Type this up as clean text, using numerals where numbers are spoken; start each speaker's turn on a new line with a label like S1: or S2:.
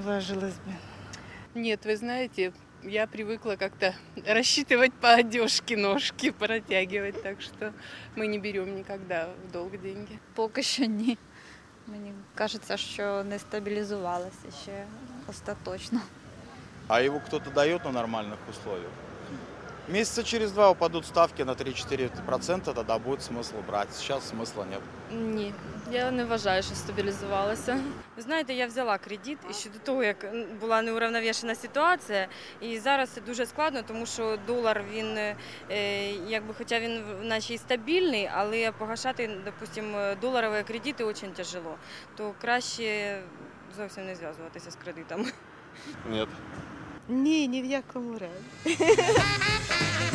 S1: отважилась бы.
S2: Нет, вы знаете, я привыкла как-то рассчитывать по одежке ножки, протягивать, так что мы не берем никогда в долг деньги.
S3: Поки що ні. Мені кажеться, що не стабілізувалося ще остаточно.
S4: А его кто-то дает на нормальных условиях. Месяца через 2 упадут ставки на 3-4%, тогда будет смысл брать. Сейчас смысла нет.
S5: Ні, я не вважаю, що стабілізувалася.
S6: Ви знаєте, я взяла кредит ще до того, як була неуравновішена ситуація. І зараз це дуже складно, тому що долар, він, якби, хоча він наче і стабільний, але погашати, допустимо, доларові кредити дуже тяжело. То краще зовсім не зв'язуватися з кредитами.
S4: Нет.
S1: Ні, ні в якому разі.